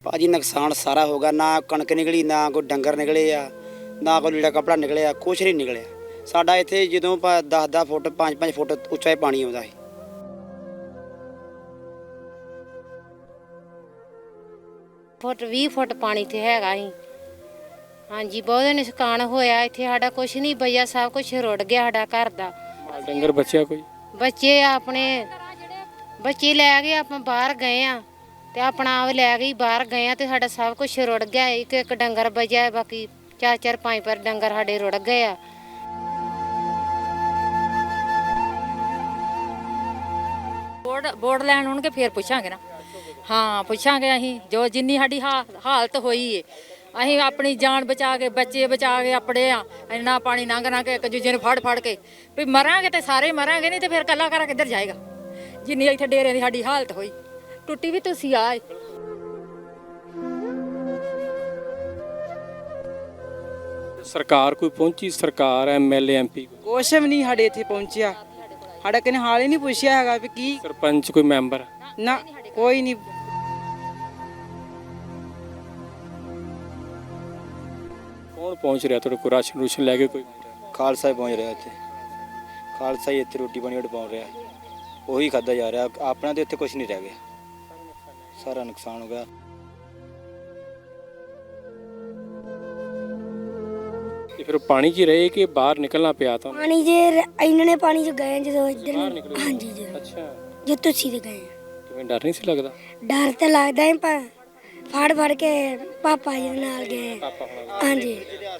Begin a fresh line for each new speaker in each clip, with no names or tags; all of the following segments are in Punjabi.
ਭਾਜੀ ਨੁਕਸਾਨ ਸਾਰਾ ਹੋ ਗਿਆ, ਨਾ ਕਣਕ ਨਿਕਲੀ, ਨਾ ਕੋਈ ਡੰਗਰ ਨਿਕਲੇ ਆ, ਨਾ ਕੋਈ ਲੀੜਾ ਕੱਪੜਾ ਨਿਕਲਿਆ, ਕੁਛ ਨਹੀਂ ਨਿਕਲਿਆ। ਸਾਡਾ ਇੱਥੇ ਜਦੋਂ 10-10 ਫੁੱਟ 5-5 ਫੁੱਟ ਉੱਚਾ ਪਾਣੀ ਆਉਂਦਾ ਸੀ।
ਫੁੱਟ 20 ਫੁੱਟ ਪਾਣੀ ਤੇ ਹੈਗਾ ਸੀ। ਹਾਂਜੀ ਬਹੁਤ ਨੁਕਸਾਨ ਹੋਇਆ ਇੱਥੇ, ਸਾਡਾ ਕੁਛ ਨਹੀਂ ਬਈਆ, ਸਭ ਕੁਝ ਰੁੜ ਗਿਆ ਸਾਡਾ ਘਰ ਦਾ।
ਮਾਲ ਡੰਗਰ ਬਚਿਆ ਕੋਈ?
ਬੱਚੇ ਆਪਣੇ ਬੱਚੇ ਲੈ ਗਏ, ਆਪਾਂ ਬਾਹਰ ਗਏ ਆ ਤੇ ਆਪਣਾ ਆਪ ਲੈ ਗਈ, ਬਾਹਰ ਗਏ ਆ ਤੇ ਸਾਡਾ ਸਭ ਕੁਝ ਰੁੜ ਗਿਆ। ਇੱਕ ਇੱਕ ਡੰਗਰ ਬਚਿਆ, ਬਾਕੀ 4-4 5 ਡੰਗਰ ਸਾਡੇ ਰੁੜ ਗਏ ਆ।
ਬੋਰਡ ਲੈਣ ਆਉਣਗੇ ਫੇਰ ਪੁੱਛਾਂਗੇ ਨਾ। ਹਾਂ ਪੁੱਛਾਂਗੇ ਅਸੀਂ, ਜੋ ਜਿੰਨੀ ਸਾਡੀ ਹਾਲਤ ਹੋਈ ਏ ਅਸੀਂ ਆਪਣੀ ਜਾਨ ਬਚਾ ਕੇ ਬੱਚੇ ਬਚਾ ਕੇ ਆਪਣੇ ਆ। ਇੰਨਾ ਪਾਣੀ ਲੰਘ ਕੇ ਇੱਕ ਦੂਜੇ ਨੂੰ ਫੜ ਕੇ ਵੀ ਮਰਾਂਗੇ ਤੇ ਸਾਰੇ ਮਰਾਂਗੇ, ਨਹੀਂ ਤੇ ਫਿਰ ਕੱਲਾ ਕਰਾ ਕਿੱਧਰ ਜਾਏਗਾ। ਜਿੰਨੀ ਇੱਥੇ ਡੇਰੇ ਦੀ ਸਾਡੀ ਹਾਲਤ ਹੋਈ, ਟੁੱਟੀ ਵੀ ਤੁਸੀਂ ਆਏ।
ਸਰਕਾਰ ਕੋਈ ਪਹੁੰਚੀ? ਸਰਕਾਰ ਐਮਐਲਏ ਐਮਪੀ
ਕੁਛ ਵੀ ਨਹੀਂ ਸਾਡੇ ਇੱਥੇ ਪਹੁੰਚਿਆ। ਸਾਡਾ ਕਿਨੇ ਹਾਲ ਹੀ ਨਹੀਂ ਪੁੱਛਿਆ ਹੈਗਾ ਵੀ ਕੀ
ਸਰਪੰਚ ਕੋਈ ਮੈਂਬਰ?
ਨਾ ਕੋਈ ਨਹੀਂ।
ਕੌਣ ਪਹੁੰਚ ਰਿਹਾ ਤੁਹਾਡੇ ਕੋਲ? ਰਾਸ਼ਨ ਰੂਸ਼ਨ ਲੈ ਕੇ ਕੋਈ?
ਖਾਲਸਾ ਹੀ ਪਹੁੰਚ ਰਿਹਾ ਇੱਥੇ, ਖਾਲਸਾ ਹੀ ਇੱਥੇ ਰੋਟੀ ਪਾਣੀ ਪਹੁੰਚ ਰਿਹਾ, ਉਹੀ ਖਾਧਾ ਜਾ ਰਿਹਾ। ਆਪਣਾ ਤੇ ਇੱਥੇ ਕੁਛ ਨਹੀਂ ਰਹਿ ਗਿਆ, ਸਾਰਾ ਨੁਕਸਾਨ ਹੋ ਗਿਆ।
ਤੇ ਫਿਰ ਪਾਣੀ 'ਚ ਹੀ ਰਹੇ ਕਿ ਬਾਹਰ ਨਿਕਲਣਾ ਪਿਆ ਤਾਂ?
ਪਾਣੀ ਜੇ ਇਹਨਾਂ ਨੇ ਪਾਣੀ ਚ ਗਏ ਜਦੋਂ ਇੱਧਰ
ਬਾਹਰ
ਨੂੰ।
ਨਿਕਲੇ?
ਹਾਂਜੀ ਜੀ,
ਅੱਛਾ,
ਜੋ ਤੁਸੀਂ ਦੇ ਗਏ।
ਕਿਵੇਂ ਡਰ ਨਹੀਂ ਸੀ ਲੱਗਦਾ?
ਡਰ ਤਾਂ ਲੱਗਦਾ ਹੈ, ਪਰ ਫੜ ਕੇ ਪਾਪਾ ਜੀ ਦੇ ਨਾਲ ਗਏ। ਹਾਂਜੀ।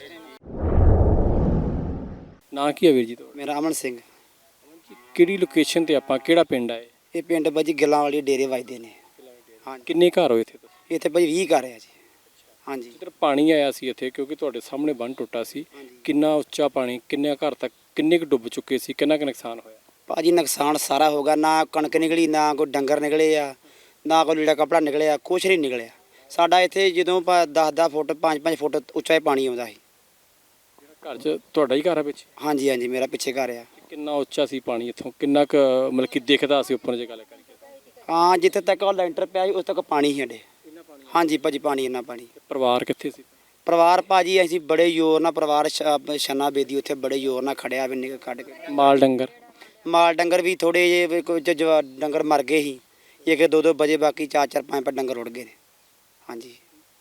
ਨਾਂ ਕੀ ਹੈ ਵੀਰ ਜੀ ਤੁਹਾਡਾ?
ਮੇਰਾ ਅਮਨ ਸਿੰਘ।
ਕਿਹੜੀ ਲੋਕੇਸ਼ਨ ਤੇ ਆਪਾਂ, ਕਿਹੜਾ ਪਿੰਡ ਹੈ?
ਇਹ ਪਿੰਡ ਭਾਜੀ ਗਿੱਲਾਂ ਵਾਲੀ ਡੇਰੇ ਵੱਜਦੇ ਨੇ। ਹਾਂਜੀ,
ਕਿੰਨੇ ਘਰ ਹੋਏ ਇੱਥੇ?
ਇੱਥੇ ਭਾਜੀ 20 ਘਰ ਆ ਜੀ। ਹਾਂਜੀ,
ਇੱਧਰ ਪਾਣੀ ਆਇਆ ਸੀ ਇੱਥੇ, ਕਿਉਂਕਿ ਤੁਹਾਡੇ ਸਾਹਮਣੇ ਬੰਨ ਟੁੱਟਾ ਸੀ। ਕਿੰਨਾ ਉੱਚਾ ਪਾਣੀ, ਕਿੰਨੇ ਘਰ ਤੱਕ, ਕਿੰਨੇ ਕੁ ਡੁੱਬ ਚੁੱਕੇ ਸੀ, ਕਿੰਨਾ ਕੁ ਨੁਕਸਾਨ ਹੋਇਆ?
ਭਾਜੀ ਨੁਕਸਾਨ ਸਾਰਾ ਹੋ ਗਿਆ, ਨਾ ਕਣਕ ਨਿਕਲੀ, ਨਾ ਕੋਈ ਡੰਗਰ ਨਿਕਲੇ ਆ, ਨਾ ਕੋਈ ਲੀੜਾ ਕੱਪੜਾ ਨਿਕਲਿਆ, ਕੁਛ ਨਹੀਂ ਨਿਕਲਿਆ। ਸਾਡਾ ਇੱਥੇ ਜਦੋਂ 10-10 ਫੁੱਟ 5-5 ਫੁੱਟ ਉੱਚਾ ਪਾਣੀ ਆਉਂਦਾ ਸੀ।
ਘਰ 'ਚ ਤੁਹਾਡਾ ਹੀ ਘਰ ਹੈ ਵਿੱਚ?
ਹਾਂਜੀ ਹਾਂਜੀ, ਮੇਰਾ ਪਿੱਛੇ ਘਰ ਆ।
ਕਿੰਨਾ ਉੱਚਾ ਸੀ ਪਾਣੀ ਇੱਥੋਂ, ਕਿੰਨਾ ਕੁ ਮਤਲਬ ਕਿ ਦਿਖਦਾ ਸੀ ਉੱਪਰ ਜੇ ਗੱਲ ਕਰੀਏ?
ਹਾਂ, ਜਿੱਥੇ ਤੱਕ ਉਹ ਲੈਂਟਰ ਪਿਆ ਸੀ ਉਸ ਤੱਕ ਪਾਣੀ ਸੀ ਸਾਡੇ। ਹਾਂਜੀ ਭਾਜੀ, ਪਾਣੀ ਇੰਨਾ ਪਾਣੀ।
ਪਰਿਵਾਰ ਕਿੱਥੇ ਸੀ?
ਪਰਿਵਾਰ ਭਾਜੀ ਅਸੀਂ ਬੜੇ ਜ਼ੋਰ ਨਾਲ, ਪਰਿਵਾਰ ਛੰਨਾ ਬੇਦੀ ਉੱਥੇ ਬੜੇ ਜ਼ੋਰ ਨਾਲ ਖੜਿਆ ਵੀ ਨਿਕਲ ਕੱਢ ਕੇ। ਮਾਲ ਡੰਗਰ ਵੀ ਥੋੜੇ ਜਿਹੇ ਕੁਝ ਡੰਗਰ ਮਰ ਗਏ ਸੀ, ਇੱਕ 2-2 ਵਜੇ, ਬਾਕੀ 4-4 5 ਡੰਗਰ ਰੁੜ ਗਏ ਨੇ। ਹਾਂਜੀ,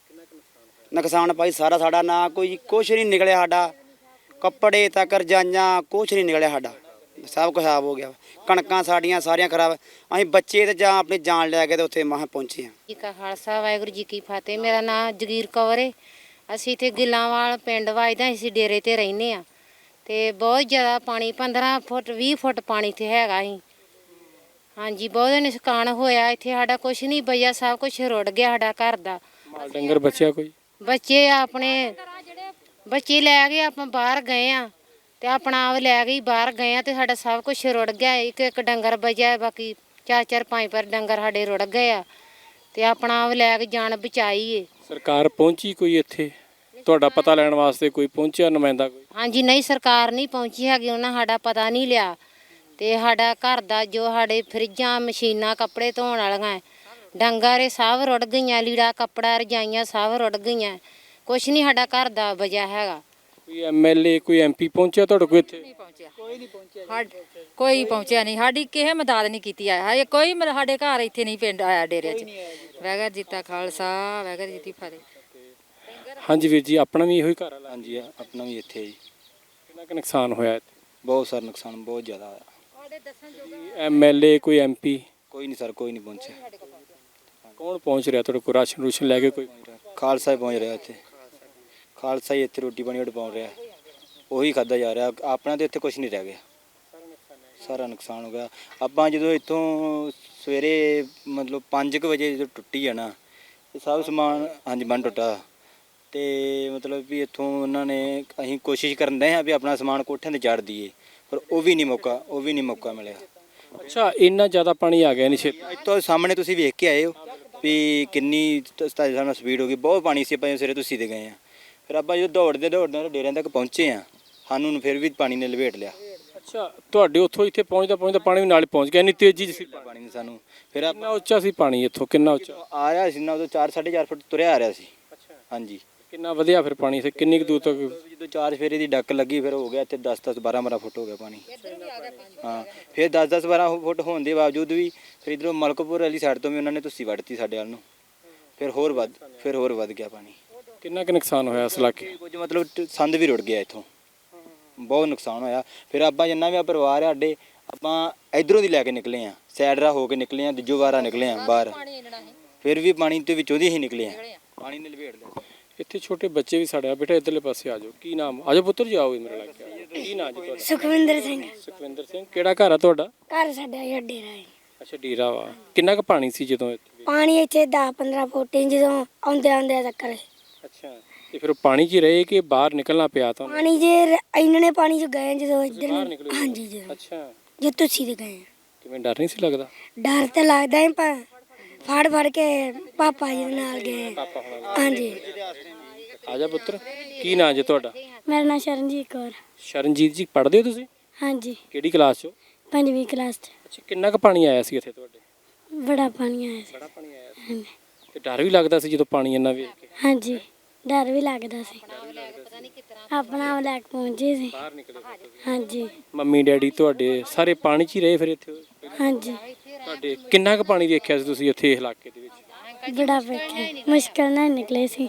ਨੁਕਸਾਨ ਭਾਈ ਸਾਰਾ ਸਾਡਾ, ਨਾ ਕੋਈ ਕੁਛ ਨਹੀਂ ਨਿਕਲਿਆ ਸਾਡਾ, ਕੱਪੜੇ ਤੱਕ ਰਜਾਈਆਂ ਕੁਛ ਨਹੀਂ ਨਿਕਲਿਆ ਸਾਡਾ, ਸਭ ਕੁਝ ਖਰਾਬ ਹੋ ਗਿਆ। ਕਣਕਾਂ ਸਾਡੀਆਂ ਸਾਰੀਆਂ ਖਰਾਬ। ਅਸੀਂ ਬੱਚੇ ਤੇ ਜਾਂ ਆਪਣੀ ਜਾਨ ਲੈ ਕੇ ਤੇ ਉੱਥੇ ਮਹਾਂ ਪਹੁੰਚੇ ਹਾਂ।
ਜੀ ਕਾ ਖਾਲਸਾ, ਵਾਹਿਗੁਰੂ ਜੀ ਕੀ ਫਤਿਹ। ਮੇਰਾ ਨਾਮ ਜਗੀਰ ਕੌਰ ਹੈ। ਅਸੀਂ ਇੱਥੇ ਗਿੱਲਾਂਵਾਲ ਪਿੰਡ ਵੱਜਦਾ, ਅਸੀਂ ਡੇਰੇ ਤੇ ਰਹਿੰਦੇ ਆ ਤੇ ਬਹੁਤ ਜ਼ਿਆਦਾ ਪਾਣੀ 15 ਫੁੱਟ 20 ਫੁੱਟ ਪਾਣੀ ਤੇ ਹੈਗਾ ਸੀ। ਹਾਂਜੀ ਬਹੁਤ ਨੁਕਸਾਨ ਹੋਇਆ ਇੱਥੇ, ਸਾਡਾ ਕੁਛ ਨਹੀਂ ਬਈਆ, ਸਭ ਕੁਝ ਰੁੜ ਗਿਆ ਸਾਡਾ ਘਰ ਦਾ।
ਮਾਲ ਡੰਗਰ ਬਚਿਆ ਕੋਈ?
ਬੱਚੇ ਆਪਣੇ ਬੱਚੇ ਲੈ ਗਏ, ਆਪਾਂ ਬਾਹਰ ਗਏ ਆ ਤੇ ਆਪਣਾ ਆਪ ਲੈ ਗਈ, ਬਾਹਰ ਗਏ ਆ ਤੇ ਸਾਡਾ ਸਭ ਕੁਝ ਰੁੜ ਗਿਆ। ਇੱਕ ਇੱਕ ਡੰਗਰ ਬਚਿਆ, ਬਾਕੀ 4-4 5 ਡੰਗਰ ਸਾਡੇ ਰੁੜ ਗਏ ਆ ਤੇ ਆਪਣਾ ਆਪ ਲੈ ਕੇ ਜਾਨ ਬਚਾਈ ਏ।
ਸਰਕਾਰ ਪਹੁੰਚੀ ਕੋਈ ਇੱਥੇ ਤੁਹਾਡਾ ਪਤਾ ਲੈਣ ਵਾਸਤੇ? ਕੋਈ ਪਹੁੰਚਿਆ ਨੁਮਾਇੰਦਾ ਕੋਈ?
ਹਾਂਜੀ ਨਹੀਂ, ਸਰਕਾਰ ਨਹੀਂ ਪਹੁੰਚੀ ਹੈਗੀ, ਉਹਨਾਂ ਸਾਡਾ ਪਤਾ ਨਹੀਂ ਲਿਆ ਤੇ ਸਾਡਾ ਘਰ ਦਾ ਜੋ ਸਾਡੇ ਫਰਿੱਜਾਂ, ਮਸ਼ੀਨਾਂ, ਕੱਪੜੇ ਧੋਣ ਵਾਲੀਆਂ, ਡੰਗਰ ਇਹ ਸਭ ਰੁੜ ਗਈਆਂ, ਲੀੜਾ ਕੱਪੜਾ ਰਜਾਈਆਂ ਸਭ ਰੁੜ ਗਈਆਂ, ਕੁਛ ਨਹੀਂ ਸਾਡਾ ਘਰ ਦਾ ਬਚਿਆ ਹੈਗਾ।
ਕੋਈ ਐਮਐਲਏ ਕੋਈ ਐਮਪੀ ਪਹੁੰਚਿਆ ਤੁਹਾਡੇ ਕੋਲ ਇੱਥੇ?
ਕੋਈ ਪਹੁੰਚਿਆ ਨਹੀਂ, ਸਾਡੀ ਕਿਸੇ ਮਦਦ ਨਹੀਂ ਕੀਤੀ ਆ। ਕੋਈ ਸਾਡੇ ਘਰ ਇੱਥੇ ਨਹੀਂ, ਪਿੰਡ ਆਇਆ ਡੇਰੇ 'ਚ। ਵਾਹਿਗੁਰੂ ਜੀ ਕਾ ਖਾਲਸਾ, ਵਾਹਿਗੁਰੂ ਜੀ ਕੀ ਫਤਿਹ।
ਹਾਂਜੀ ਵੀਰ ਜੀ, ਆਪਣਾ ਵੀ ਇਹੋ ਹੀ ਘਰ ਹੈ?
ਹਾਂਜੀ, ਆਪਣਾ ਵੀ ਇੱਥੇ ਜੀ।
ਕਿੰਨਾ ਕੁ ਨੁਕਸਾਨ ਹੋਇਆ ਇੱਥੇ?
ਬਹੁਤ ਸਾਰਾ ਨੁਕਸਾਨ, ਬਹੁਤ ਜ਼ਿਆਦਾ ਹੋਇਆ।
ਐਮਐਲਏ ਕੋਈ ਐਮਪੀ?
ਕੋਈ ਨਹੀਂ ਸਰ, ਕੋਈ ਨਹੀਂ ਪਹੁੰਚਿਆ।
ਕੌਣ ਪਹੁੰਚ ਰਿਹਾ ਤੁਹਾਡੇ ਕੋਲ? ਰਾਸ਼ਨ ਰੂਸ਼ਨ ਲੈ ਕੇ ਕੋਈ?
ਖਾਲਸਾ ਹੀ ਪਹੁੰਚ ਰਿਹਾ ਇੱਥੇ, ਖਾਲਸਾ ਹੀ ਇੱਥੇ ਰੋਟੀ ਪਾਣੀ ਪਹੁੰਚ ਰਿਹਾ, ਉਹੀ ਖਾਧਾ ਜਾ ਰਿਹਾ। ਆਪਣਾ ਤੇ ਇੱਥੇ ਕੁਛ ਨਹੀਂ ਰਹਿ ਗਿਆ, ਸਾਰਾ ਨੁਕਸਾਨ ਹੋ ਗਿਆ। ਆਪਾਂ ਜਦੋਂ ਇੱਥੋਂ ਸਵੇਰੇ ਮਤਲਬ 5 ਵਜੇ ਜਦੋਂ ਟੁੱਟੀ ਆ ਨਾ, ਇਹ ਸਭ ਸਮਾਨ, ਹਾਂਜੀ ਬੰਨ ਟੁੱਟਾ ਤੇ ਮਤਲਬ ਵੀ ਇੱਥੋਂ ਉਹਨਾਂ ਨੇ, ਅਸੀਂ ਕੋਸ਼ਿਸ਼ ਕਰਨ ਦੇ ਹਾਂ ਵੀ ਆਪਣਾ ਸਮਾਨ ਕੋਠਿਆਂ 'ਤੇ ਚਾੜ ਦਈਏ, ਪਰ ਉਹ ਵੀ ਨਹੀਂ ਮੌਕਾ ਮਿਲਿਆ।
ਅੱਛਾ, ਇੰਨਾ ਜ਼ਿਆਦਾ ਪਾਣੀ ਆ ਗਿਆ ਨਹੀਂ ਛੇਤੀ?
ਇੱਥੋਂ ਸਾਹਮਣੇ ਤੁਸੀਂ ਵੇਖ ਕੇ ਆਏ ਹੋ ਵੀ ਕਿੰਨੀ ਤੁਹਾਡੇ ਸਾਹਮਣੇ ਸਪੀਡ ਹੋ ਗਈ, ਬਹੁਤ ਪਾਣੀ ਸੀ। ਆਪਾਂ ਸਵੇਰੇ ਤੁਸੀਂ ਦੇ ਗਏ ਆ, ਫਿਰ ਆਪਾਂ ਜਦੋਂ ਦੌੜਦੇ ਡੇਰਿਆਂ ਤੱਕ ਪਹੁੰਚੇ ਆ, ਸਾਨੂੰ ਫਿਰ ਵੀ ਪਾਣੀ ਨੇ ਲਪੇਟ ਲਿਆ।
ਅੱਛਾ, ਤੁਹਾਡੇ ਉੱਥੋਂ ਇੱਥੇ ਪਹੁੰਚਦਾ ਪਾਣੀ ਵੀ ਨਾਲ ਹੀ ਪਹੁੰਚ ਗਿਆ, ਇੰਨੀ ਤੇਜ਼ੀ 'ਚ ਸੀ ਪਾਣੀ।
ਪਾਣੀ ਨੇ ਸਾਨੂੰ ਫਿਰ
ਕਿੰਨਾ ਉੱਚਾ ਸੀ ਪਾਣੀ ਇੱਥੋਂ, ਕਿੰਨਾ ਉੱਚਾ?
ਆ ਰਿਹਾ ਸੀ ਨਾ ਉਦੋਂ 4-4.5 ਫੁੱਟ ਤੁਰਿਆ ਆ ਰਿਹਾ ਸੀ।
ਅੱਛਾ,
ਹਾਂਜੀ
ਕਿੰਨਾ ਵਧਿਆ ਫਿਰ ਪਾਣੀ ਇੱਥੇ, ਕਿੰਨੀ ਕੁ ਦੂਰ ਤੱਕ?
ਜਦੋਂ 4 ਫੇਰੇ ਦੀ ਡੱਕ ਲੱਗੀ ਫਿਰ ਹੋ ਗਿਆ ਇੱਥੇ 10-10 12-12 ਫੁੱਟ ਹੋ ਗਿਆ ਪਾਣੀ। ਹਾਂ ਫਿਰ 10-10 12 ਫੁੱਟ ਹੋਣ ਦੇ ਬਾਵਜੂਦ ਵੀ ਫਿਰ ਇਧਰੋਂ ਮਲਕਪੁਰ ਵਾਲੀ ਸਾਈਡ ਤੋਂ ਵੀ ਉਹਨਾਂ ਨੇ ਤੁਸੀਂ ਵੜਤੀ ਸਾਡੇ ਵੱਲ ਨੂੰ, ਫਿਰ ਹੋਰ ਵੱਧ ਗਿਆ ਪਾਣੀ।
ਕਿੰਨਾ ਕੁ ਨੁਕਸਾਨ ਹੋਇਆ ਇਸ ਇਲਾਕੇ?
ਕੁਝ ਮਤਲਬ ਸੰਦ ਵੀ ਰੁੜ ਗਿਆ ਇੱਥੋਂ, ਬਹੁਤ ਨੁਕਸਾਨ ਹੋਇਆ। ਫਿਰ ਆਪਾਂ ਜਿੰਨਾ ਵੀ ਆ ਪਰਿਵਾਰ ਆ ਸਾਡੇ, ਆਪਾਂ ਇਧਰੋਂ ਦੀ ਲੈ ਕੇ ਨਿਕਲੇ ਆ, ਸਾਈਡ ਰਾਹ ਹੋ ਕੇ ਨਿਕਲੇ ਆ, ਦੂਜੋ ਵਾਰਾ ਨਿਕਲੇ ਆ ਬਾਹਰ, ਫਿਰ ਵੀ ਪਾਣੀ ਦੇ ਵਿੱਚੋਂ ਦੀ ਹੀ ਨਿਕਲੇ ਆ, ਪਾਣੀ ਨੇ ਲਪੇਟ ਲਿਆ।
ਇੱਥੇ ਛੋਟੇ ਬੱਚੇ ਵੀ ਸਾਡੇ ਆ, ਬੇਟਾ ਇੱਧਰਲੇ ਪਾਸੇ ਆ ਜਾਓ। ਕੀ ਨਾਮ? ਆ ਜਾਓ ਪੁੱਤਰ ਜੀ, ਆਓ ਮੇਰੇ ਲਾਗੇ। ਕੀ ਨਾਮ ਜੀ ਤੁਹਾਡਾ?
ਸੁਖਵਿੰਦਰ ਸਿੰਘ।
ਸੁਖਵਿੰਦਰ ਸਿੰਘ। ਕਿਹੜਾ ਘਰ ਆ ਤੁਹਾਡਾ?
ਘਰ ਸਾਡਾ ਇਹ ਡੇਰਾ ਹੈ।
ਅੱਛਾ, ਡੇਰਾ ਵਾ। ਕਿੰਨਾ ਕੁ ਪਾਣੀ ਸੀ ਜਦੋਂ ਇੱਥੇ?
ਪਾਣੀ ਇੱਥੇ 10-15 ਫੁੱਟ ਸੀ ਜਦੋਂ ਆਉਂਦੇ ਚੱਕਰ।
ਅੱਛਾ, ਤੇ ਫਿਰ ਉਹ ਪਾਣੀ 'ਚ ਹੀ ਰਹੇ ਕਿ ਬਾਹਰ ਨਿਕਲਣਾ ਪਿਆ ਤੁਹਾਨੂੰ?
ਪਾਣੀ ਜੇ ਇਹਨਾਂ ਨੇ ਪਾਣੀ ਚ ਗਏ ਜਦੋਂ ਇੱਧਰ
ਬਾਹਰ
ਨੂੰ।
ਨਿਕਲੇ?
ਹਾਂਜੀ ਜਦੋਂ
ਅੱਛਾ,
ਜੇ ਤੁਸੀਂ ਤੇ ਗਏ।
ਕਿਵੇਂ, ਡਰ ਨਹੀਂ ਸੀ ਲੱਗਦਾ?
ਡਰ ਤਾਂ ਲੱਗਦਾ ਹੈ ਪਰ ਫੜ ਕੇ ਪਾਪਾ ਜੀ ਦੇ ਨਾਲ ਗਏ।
ਪਾਪਾ ਹੋਣਾ।
ਹਾਂਜੀ।
ਆ ਜਾ ਪੁੱਤਰ, ਕੀ ਨਾਂ ਜੀ ਤੁਹਾਡਾ?
ਮੇਰਾ ਨਾਮ ਸ਼ਰਨਜੀਤ ਕੌਰ।
ਸ਼ਰਨਜੀਤ ਜੀ, ਪੜ੍ਹਦੇ ਹੋ ਤੁਸੀਂ?
ਹਾਂਜੀ,
ਕਿਹੜੀ ਕਲਾਸ 'ਚ?
5ਵੀਂ ਕਲਾਸ ਚ।
ਅੱਛਾ, ਕਿੰਨਾ ਕੁ ਪਾਣੀ ਆਇਆ ਸੀ ਇੱਥੇ ਤੁਹਾਡੇ?
ਬੜਾ ਪਾਣੀ ਆਇਆ ਸੀ।
ਬੜਾ ਪਾਣੀ ਆਇਆ ਸੀ। ਤੇ ਡਰ ਵੀ ਲੱਗਦਾ ਸੀ ਜਦੋਂ ਪਾਣੀ ਇੰਨਾ ਵੇਖ ਕੇ?
ਹਾਂਜੀ, ਡਰ ਵੀ ਲੱਗਦਾ ਸੀ। ਆਪਣਾ ਆਪ ਲੈ ਕੇ ਪਹੁੰਚੇ ਸੀ।
ਬਾਹਰ ਨਿਕਲੇ ਫਿਰ ਤੁਸੀਂ?
ਹਾਂਜੀ
ਮੰਮੀ ਡੈਡੀ ਤੁਹਾਡੇ ਸਾਰੇ ਪਾਣੀ 'ਚ ਹੀ ਰਹੇ ਫਿਰ ਇੱਥੇ?
ਹਾਂਜੀ,
ਤੁਹਾਡੇ ਕਿੰਨਾ ਕੁ ਪਾਣੀ ਵੇਖਿਆ ਸੀ ਤੁਸੀਂ ਇੱਥੇ ਇਸ ਇਲਾਕੇ ਦੇ ਵਿੱਚ?
ਬੜਾ ਵੇਖੇ, ਮੁਸ਼ਕਲ ਨਾਲ ਨਿਕਲੇ ਸੀ।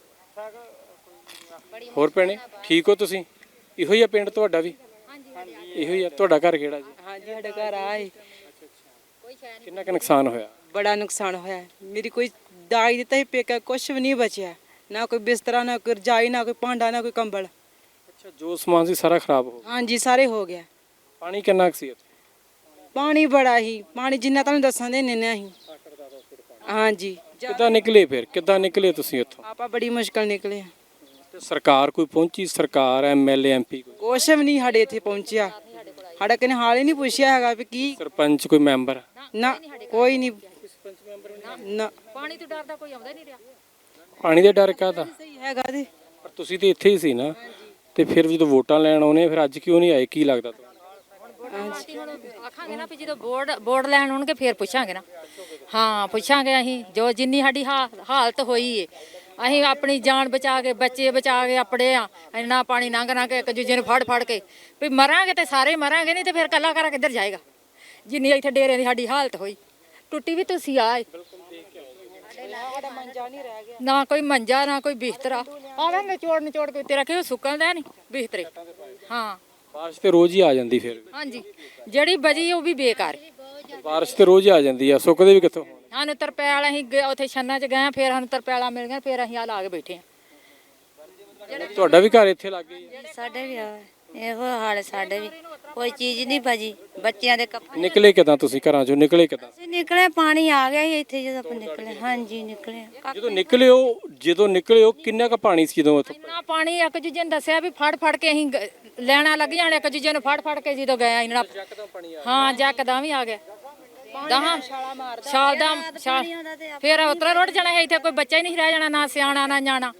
ਹੋਰ ਭੈਣੇ, ਠੀਕ ਹੋ ਤੁਸੀਂ? ਇਹੋ ਹੀ ਆ ਪਿੰਡ ਤੁਹਾਡਾ ਵੀ? ਇਹੋ ਹੀ ਆ। ਤੁਹਾਡਾ ਘਰ ਕਿਹੜਾ ਜੀ?
ਹਾਂਜੀ ਸਾਡਾ ਘਰ ਆਏ।
ਕਿੰਨਾ ਕੁ ਨੁਕਸਾਨ ਹੋਇਆ?
ਬੜਾ ਨੁਕਸਾਨ ਹੋਇਆ। ਮੇਰੀ ਕੋਈ ਦਾਈ ਦਿੱਤਾ ਹੀ ਪੇਕਾ, ਕੁਛ ਵੀ ਨਹੀਂ ਬਚਿਆ, ਨਾ ਕੋਈ ਬਿਸਤਰਾ, ਨਾ ਕੋਈ ਰਜਾਈ, ਨਾ ਕੋਈ ਭਾਂਡਾ, ਨਾ ਕੋਈ ਕੰਬਲ।
ਅੱਛਾ, ਜੋ ਸਮਾਨ ਸੀ ਸਾਰਾ ਖਰਾਬ ਹੋ ਗਿਆ?
ਹਾਂਜੀ ਸਾਰੇ ਹੋ ਗਿਆ।
ਪਾਣੀ ਕਿੰਨਾ ਕੁ ਸੀ ਇੱਥੇ?
ਪਾਣੀ ਬੜਾ ਹੀ, ਪਾਣੀ ਜਿੰਨਾ ਤੁਹਾਨੂੰ ਦੱਸਾਂ ਦੇ ਨਿੰਨਾ ਹੀ। ਹਾਂਜੀ,
ਕਿੱਦਾਂ ਨਿਕਲੇ ਫਿਰ, ਕਿੱਦਾਂ ਨਿਕਲੇ ਤੁਸੀਂ ਇੱਥੋਂ?
ਆਪਾਂ ਬੜੀ ਮੁਸ਼ਕਲ ਨਿਕਲੇ।
ਤੇ ਸਰਕਾਰ ਕੋਈ ਪਹੁੰਚੀ? ਸਰਕਾਰ, ਐਮਐਲਏ, ਐਮਪੀ ਕੋਈ?
ਕੁਛ ਵੀ ਨਹੀਂ ਸਾਡੇ ਇੱਥੇ ਪਹੁੰਚਿਆ। ਸਾਡਾ ਕਿਨੇ ਹਾਲ ਹੀ ਨਹੀਂ ਪੁੱਛਿਆ ਹੈਗਾ ਵੀ ਕੀ।
ਸਰਪੰਚ ਕੋਈ ਮੈਂਬਰ?
ਨਾ ਕੋਈ ਨਹੀਂ। ਨਾ
ਪਾਣੀ ਤੋਂ ਡਰਦਾ ਕੋਈ ਆਉਂਦਾ ਨਹੀਂ ਰਿਹਾ।
ਪਾਣੀ ਦੇ ਡਰ ਕਾਹਦਾ?
ਸਹੀ ਹੈਗਾ ਤੇ
ਪਰ ਤੁਸੀਂ ਤੇ ਇੱਥੇ ਹੀ ਸੀ ਨਾ, ਤੇ ਫਿਰ ਜਦੋਂ ਵੋਟਾਂ ਲੈਣ ਆਉਣੇ ਫਿਰ ਅੱਜ ਕਿਉਂ ਨਹੀਂ ਆਏ, ਕੀ ਲੱਗਦਾ ਤੁਹਾਨੂੰ?
ਆਖਾਂਗੇ ਨਾ ਵੀ ਜਦੋਂ ਵੋਟ ਲੈਣ ਆਉਣਗੇ ਫੇਰ ਪੁੱਛਾਂਗੇ ਨਾ। ਹਾਂ ਪੁੱਛਾਂਗੇ ਅਸੀਂ, ਜੋ ਜਿੰਨੀ ਸਾਡੀ ਹਾਲਤ ਹੋਈ ਏ, ਅਸੀਂ ਆਪਣੀ ਜਾਨ ਬਚਾ ਕੇ, ਬੱਚੇ ਬਚਾ ਕੇ ਆਪਣੇ ਆ, ਇੰਨਾ ਪਾਣੀ ਲੰਘ ਕੇ ਇੱਕ ਦੂਜੇ ਨੂੰ ਫੜ ਕੇ ਵੀ ਮਰਾਂਗੇ ਤੇ ਸਾਰੇ ਮਰਾਂਗੇ, ਨਹੀਂ ਤੇ ਫਿਰ ਕੱਲਾ ਕਰਾ ਕਿੱਧਰ ਜਾਏਗਾ। ਜਿੰਨੀ ਇੱਥੇ ਡੇਰਿਆਂ ਦੀ ਸਾਡੀ ਹਾਲਤ ਹੋਈ, ਟੁੱਟੀ ਵੀ ਤੁਸੀਂ ਆਏ, ਨਾ ਕੋਈ ਮੰਜਾ, ਨਾ ਕੋਈ ਬਿਸਤਰਾ। ਆਵੇਂ ਨਿਚੋੜ ਕੇ ਤੇਰਾ ਕਿਉਂ ਸੁੱਕਣਦਾ ਨਹੀਂ ਬਿਸਤਰੇ। ਹਾਂ,
ਬਾਰਿਸ਼ ਤੇ ਰੋਜ਼ ਹੀ ਆ ਜਾਂਦੀ ਫਿਰ?
ਹਾਂਜੀ, ਜਿਹੜੀ ਬਜੀ ਉਹ ਵੀ ਬੇਕਾਰ।
ਬਾਰਿਸ਼ ਤੇ ਰੋਜ਼ ਹੀ ਆ ਜਾਂਦੀ ਆ, ਸੁੱਕਦੇ ਵੀ ਕਿੱਥੋਂ?
ਸਾਨੂੰ ਤਰਪੈਲ, ਅਸੀਂ ਉੱਥੇ ਛੰਨਾ ਚ ਗਏ, ਫਿਰ ਸਾਨੂੰ ਤਰਪੈਲਾਂ ਮਿਲ ਗਈਆਂ, ਫਿਰ ਅਸੀਂ ਆ ਲਾ ਕੇ ਬੈਠੇ ਆ।
ਤੁਹਾਡਾ ਵੀ ਘਰ ਇੱਥੇ ਲੱਗ ਗਿਆ?
ਸਾਡੇ ਵੀ ਆ ਇਹੋ ਹਾਲ, ਸਾਡੇ ਵੀ ਕੋਈ ਚੀਜ਼ ਨਹੀਂ ਬਜੀ, ਬੱਚਿਆਂ ਦੇ ਕੱਪੜੇ।
ਨਿਕਲੇ ਕਿੱਦਾਂ ਤੁਸੀਂ ਘਰਾਂ ਚੋਂ, ਨਿਕਲੇ ਕਿੱਦਾਂ?
ਅਸੀਂ ਨਿਕਲੇ, ਪਾਣੀ ਆ ਗਿਆ ਸੀ ਇੱਥੇ ਜਦੋਂ ਆਪਾਂ ਨਿਕਲੇ। ਹਾਂਜੀ ਨਿਕਲੇ।
ਜਦੋਂ ਨਿਕਲੇ ਹੋ ਕਿੰਨਾ ਕੁ ਪਾਣੀ ਸੀ ਜਦੋਂ ਉੱਥੇ?
ਇੰਨਾ ਪਾਣੀ, ਇੱਕ ਦੂਜੇ ਨੂੰ ਦੱਸਿਆ ਵੀ ਫੜ ਕੇ ਅਸੀਂ ਲੈਣਾ ਲੱਗ ਜਾਣੇ, ਇੱਕ ਦੂਜੇ ਨੂੰ ਫੜ ਕੇ ਜਦੋਂ ਗਏ ਇੰਨਾ। ਹਾਂ, ਜੱਕਦਾਂ ਵੀ ਆ ਗਿਆ। ਛਾਲ ਦਾ ਫਿਰ ਉਤਰਾ ਰੁੜ ਜਾਣਾ ਹੈ ਇੱਥੇ, ਕੋਈ ਬੱਚਾ ਹੀ ਨਹੀਂ ਰਹਿ ਜਾਣਾ, ਨਾ ਸਿਆਣਾ ਨਾ ਨਿਆਣਾ।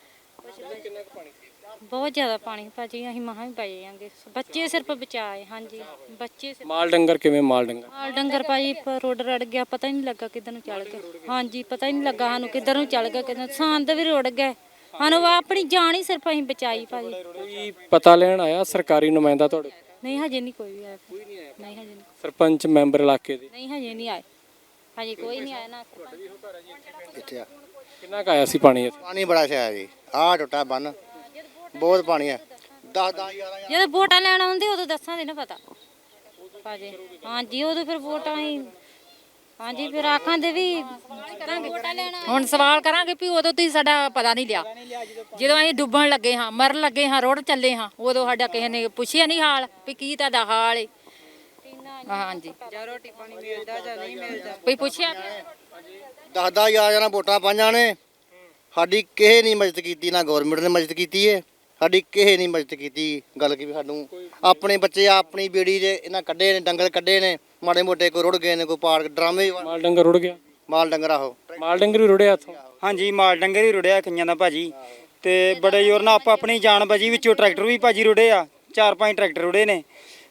ਬਹੁਤ ਜ਼ਿਆਦਾ ਪਾਣੀ ਭਾਜੀ, ਅਸੀਂ ਮਹਾਂ ਵੀ ਪਏ ਜਾਂਗੇ, ਬੱਚੇ ਸਿਰਫ ਬਚਾਏ। ਹਾਂਜੀ ਬੱਚੇ ਸਿਰਫ।
ਮਾਲ ਡੰਗਰ ਕਿਵੇਂ? ਮਾਲ
ਡੰਗਰ ਭਾਜੀ ਰੋਡ ਰੜ ਗਿਆ, ਪਤਾ ਹੀ ਨਹੀਂ ਲੱਗਾ ਕਿੱਧਰ ਨੂੰ ਚੱਲ ਗਿਆ। ਹਾਂਜੀ ਪਤਾ ਹੀ ਨਹੀਂ ਲੱਗਾ ਸਾਨੂੰ ਕਿੱਧਰ ਨੂੰ ਚੱਲ ਗਿਆ, ਕਿੱਧਰ ਸੰਦ ਵੀ ਰੁੜ ਗਏ। ਸਾਨੂੰ ਆਪਣੀ ਜਾਨ ਹੀ ਸਿਰਫ ਅਸੀਂ ਬਚਾਈ ਭਾਜੀ।
ਕੋਈ ਪਤਾ ਲੈਣ ਆਇਆ ਸਰਕਾਰੀ ਨੁਮਾਇੰਦਾ ਤੁਹਾਡੇ?
ਨਹੀਂ ਹਜੇ ਨਹੀਂ ਕੋਈ ਵੀ ਆਇਆ। ਨਹੀਂ ਹਜੇ ਨਹੀਂ।
ਸਰਪੰਚ, ਮੈਂਬਰ ਇਲਾਕੇ ਦੇ?
ਨਹੀਂ ਹਜੇ ਨਹੀਂ ਆਏ, ਹਜੇ ਕੋਈ ਨਹੀਂ ਆਇਆ ਨਾ।
ਕਿੱਥੇ ਆ?
ਕਿੰਨਾ ਕੁ ਆਇਆ ਸੀ ਪਾਣੀ ਇੱਥੇ?
ਪਾਣੀ ਬੜਾ ਛਾਇਆ ਜੀ, ਆਹ ਟੁੱਟਾ ਬੰਨ, ਬਹੁਤ ਪਾਣੀ ਹੈ। 10-10 11
ਜਦੋਂ ਵੋਟਾਂ ਲੈਣ ਆਉਂਦੇ ਉਦੋਂ ਦੱਸਾਂਗੇ ਨਾ ਪਤਾ ਭਾਜੀ। ਹਾਂਜੀ ਉਦੋਂ ਫਿਰ ਵੋਟਾਂ ਹੀ, ਹਾਂਜੀ ਫਿਰ ਆਖਾਂ ਦੇ ਵੀ ਵੋਟਾਂ ਲੈਣਾ।
ਹੁਣ ਸਵਾਲ ਕਰਾਂਗੇ ਵੀ ਉਦੋਂ ਤੁਸੀਂ ਸਾਡਾ ਪਤਾ ਨਹੀਂ ਲਿਆ, ਜਦੋਂ ਅਸੀਂ ਡੁੱਬਣ ਲੱਗੇ ਹਾਂ, ਮਰਨ ਲੱਗੇ ਹਾਂ, ਰੁੜ ਚੱਲੇ ਹਾਂ, ਉਦੋਂ ਸਾਡਾ ਕਿਸੇ ਨੇ ਪੁੱਛਿਆ ਨਹੀਂ ਹਾਲ ਵੀ ਕੀ ਤੁਹਾਡਾ ਹਾਲ ਏ। ਹਾਂਜੀ,
ਜਾਂ ਰੋਟੀ ਪਾਣੀ ਮਿਲਦਾ ਜਾਂ ਨਹੀਂ ਮਿਲਦਾ,
ਕੋਈ ਪੁੱਛਿਆ?
10-10 11 ਵੋਟਾਂ ਪਾਈਆਂ ਨੇ, ਸਾਡੀ ਕਿਸੇ ਨਹੀਂ ਮਦਦ ਕੀਤੀ, ਨਾ ਗਵਰਨਮੈਂਟ ਨੇ ਮਦਦ ਕੀਤੀ ਹੈ ਸਾਡੀ, ਕਿਸੇ ਨਹੀਂ ਮਦਦ ਕੀਤੀ। ਗੱਲ ਕੀ ਵੀ ਸਾਨੂੰ ਆਪਣੇ ਬੱਚੇ ਆਪਣੀ ਬੇੜੀ ਦੇ ਇਹਨਾਂ ਕੱਢੇ ਨੇ, ਡੰਗਰ ਕੱਢੇ ਨੇ, ਮਾੜੇ ਮੋਟੇ ਕੋਈ ਰੁੜ ਗਏ ਨੇ, ਕੋਈ ਪਾੜ ਡਰਾਮੇ।
ਮਾਲ ਡੰਗਰ ਰੁੜ ਗਿਆ?
ਮਾਲ ਡੰਗਰ ਆਹੋ,
ਮਾਲ ਡੰਗਰ ਵੀ ਰੁੜਿਆ ਇੱਥੋਂ?
ਹਾਂਜੀ, ਮਾਲ ਡੰਗਰ ਹੀ ਰੁੜਿਆ ਕਈਆਂ ਦਾ ਭਾਜੀ, ਤੇ ਬੜੇ ਜ਼ੋਰ ਨਾਲ ਆਪਣੀ ਜਾਨ ਬਚੀ। ਵਿੱਚੋਂ ਟਰੈਕਟਰ ਵੀ ਭਾਜੀ ਰੁੜੇ ਆ, 4-5 ਟਰੈਕਟਰ ਰੁੜੇ ਨੇ,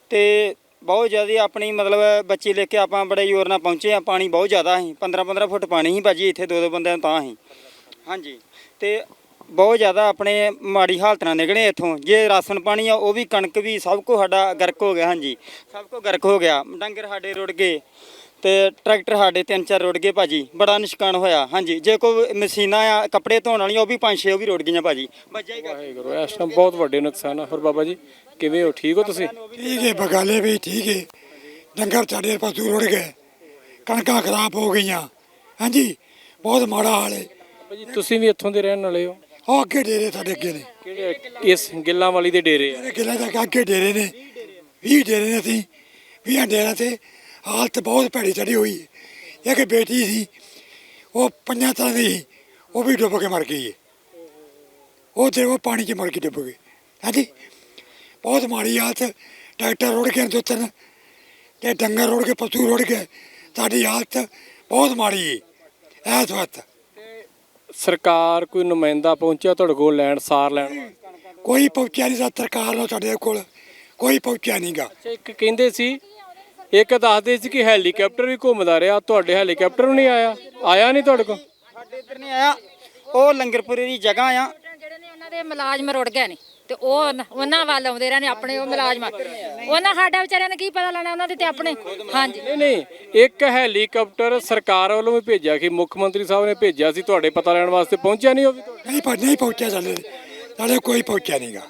ਤੇ ਬਹੁਤ ਜ਼ਿਆਦਾ ਆਪਣੀ ਮਤਲਬ ਬੱਚੇ ਲੈ ਕੇ ਆਪਾਂ ਬੜੇ ਜ਼ੋਰ ਨਾਲ ਪਹੁੰਚੇ ਆ। ਪਾਣੀ ਬਹੁਤ ਜ਼ਿਆਦਾ ਸੀ, 15-15 ਫੁੱਟ ਪਾਣੀ ਸੀ ਭਾਜੀ ਇੱਥੇ, 2-2 ਬੰਦਿਆਂ ਨੂੰ ਤਾਂ ਸੀ। ਹਾਂਜੀ, ਤੇ ਬਹੁਤ ਜ਼ਿਆਦਾ ਆਪਣੇ ਮਾੜੀ ਹਾਲਤ ਨਾਲ ਨਿਕਲੇ ਇੱਥੋਂ। ਜੇ ਰਾਸ਼ਨ ਪਾਣੀ ਆ ਉਹ ਵੀ, ਕਣਕ ਵੀ, ਸਭ ਕੁਝ ਸਾਡਾ ਗਰਕ ਹੋ ਗਿਆ। ਹਾਂਜੀ, ਸਭ ਕੁਝ ਗਰਕ ਹੋ ਗਿਆ। ਡੰਗਰ ਸਾਡੇ ਰੁੜ ਗਏ ਤੇ ਟਰੈਕਟਰ ਸਾਡੇ 3-4 ਰੁੜ ਗਏ ਭਾਜੀ, ਬੜਾ ਨੁਕਸਾਨ ਹੋਇਆ। ਹਾਂਜੀ, ਜੇ ਕੋਈ ਮਸ਼ੀਨਾਂ ਆ ਕੱਪੜੇ ਧੋਣ ਵਾਲੀਆਂ ਉਹ ਵੀ 5-6 ਉਹ ਵੀ ਰੁੜ ਗਈਆਂ ਭਾਜੀ।
ਵਾਹਿਗੁਰੂ, ਇਸ ਟਾਈਮ ਬਹੁਤ ਵੱਡੇ ਨੁਕਸਾਨ ਆ। ਹੋਰ ਬਾਬਾ ਜੀ ਕਿਵੇਂ ਹੋ, ਠੀਕ ਹੋ ਤੁਸੀਂ?
ਠੀਕ ਹੈ, ਬਗਾਲੇ ਵੀ ਠੀਕ ਹੈ। ਡੰਗਰ ਸਾਡੇ ਪਸ਼ੂ ਰੁੜ ਗਏ, ਕਣਕਾਂ ਖਰਾਬ ਹੋ ਗਈਆਂ। ਹਾਂਜੀ, ਬਹੁਤ ਮਾੜਾ ਹਾਲ ਹੈ।
ਬਾਬਾ ਜੀ ਤੁਸੀਂ ਵੀ ਇੱਥੋਂ ਦੇ ਰਹਿਣ ਵਾਲੇ ਹੋ?
ਉਹ ਅੱਗੇ ਡੇਰੇ ਸਾਡੇ ਅੱਗੇ ਨੇ।
ਕਿਹੜੇ? ਇਸ ਗਿੱਲਾਂ ਵਾਲੀ ਦੇ ਡੇਰੇ ਆ?
ਮੇਰੇ ਕਿਲਾ ਦਾ ਅੱਗੇ ਡੇਰੇ ਨੇ, 20 ਡੇਰੇ ਨੇ। ਅਸੀਂ 20 ਡੇਰਿਆਂ ਤੇ ਹਾਲਤ ਬਹੁਤ ਭੈੜੀ ਚੜੀ ਹੋਈ ਹੈ। ਇੱਕ ਬੇਟੀ ਸੀ, ਉਹ 5 ਸਾਲ ਦੀ ਸੀ, ਉਹ ਵੀ ਡੁੱਬ ਕੇ ਮਰ ਗਈ ਹੈ। ਉਹ ਪਾਣੀ 'ਚ ਮਰ ਕੇ ਡੁੱਬ ਗਈ। ਹਾਂਜੀ, ਬਹੁਤ ਮਾੜੀ ਹਾਲਤ। ਟਰੈਕਟਰ ਰੁੜ ਗਏ 2-3 ਤੇ ਡੰਗਰ ਰੁੜ ਗਏ, ਪਸ਼ੂ ਰੁੜ ਗਏ। ਸਾਡੀ ਹਾਲਤ ਬਹੁਤ ਮਾੜੀ ਹੈ ਇਸ ਵਕਤ।
ਸਰਕਾਰ ਕੋਈ ਨੁਮਾਇੰਦਾ ਪਹੁੰਚਿਆ ਤੁਹਾਡੇ ਕੋਲ ਲੈਣ, ਸਾਰ ਲੈਣ?
ਕੋਈ ਪਹੁੰਚਿਆ ਨਹੀਂ ਸਰਕਾਰ ਨੂੰ, ਸਾਡੇ ਕੋਲ ਕੋਈ ਪਹੁੰਚਿਆ ਨਹੀਂਗਾ।
ਅੱਛਾ, ਇੱਕ ਕਹਿੰਦੇ ਸੀ, ਇੱਕ ਦੱਸਦੇ ਸੀ ਕਿ ਹੈਲੀਕਾਪਟਰ ਵੀ ਘੁੰਮਦਾ ਰਿਹਾ। ਤੁਹਾਡੇ ਹੈਲੀਕਾਪਟਰ ਵੀ ਨਹੀਂ ਆਇਆ? ਆਇਆ ਨਹੀਂ ਤੁਹਾਡੇ ਕੋਲ?
ਸਾਡੇ ਇੱਧਰ ਨਹੀਂ ਆਇਆ। ਉਹ ਲੰਗਰਪੁਰੇ ਦੀ ਜਗ੍ਹਾ ਆ,
ਜਿਹੜੇ ਨੇ ਉਹਨਾਂ ਦੇ ਮੁਲਾਜ਼ਮ ਰੁੜ ਗਏ ਨੇ ਤੇ ਉਹ ਉਹਨਾਂ ਵੱਲ ਆਉਂਦੇ ਰਹੇ ਨੇ, ਆਪਣੇ ਉਹ ਮੁਲਾਜ਼ਮ। ਉਹਨਾਂ ਸਾਡਾ ਵਿਚਾਰਿਆਂ ਨੇ ਕੀ ਪਤਾ ਲੈਣਾ ਉਹਨਾਂ ਦੇ ਤੇ ਆਪਣੇ। ਹਾਂਜੀ,
ਨਹੀਂ, ਇੱਕ ਹੈਲੀਕਾਪਟਰ ਸਰਕਾਰ ਵੱਲੋਂ ਵੀ ਭੇਜਿਆ ਕਿ ਮੁੱਖ ਮੰਤਰੀ ਸਾਹਿਬ ਨੇ ਭੇਜਿਆ ਸੀ ਤੁਹਾਡੇ ਪਤਾ ਲੈਣ ਵਾਸਤੇ, ਪਹੁੰਚਿਆ ਨਹੀਂ ਉਹ ਵੀ?
ਨਹੀਂ ਪਹੁੰਚਿਆ ਸਾਡੇ ਕੋਈ ਪਹੁੰਚਿਆ ਨਹੀਂਗਾ।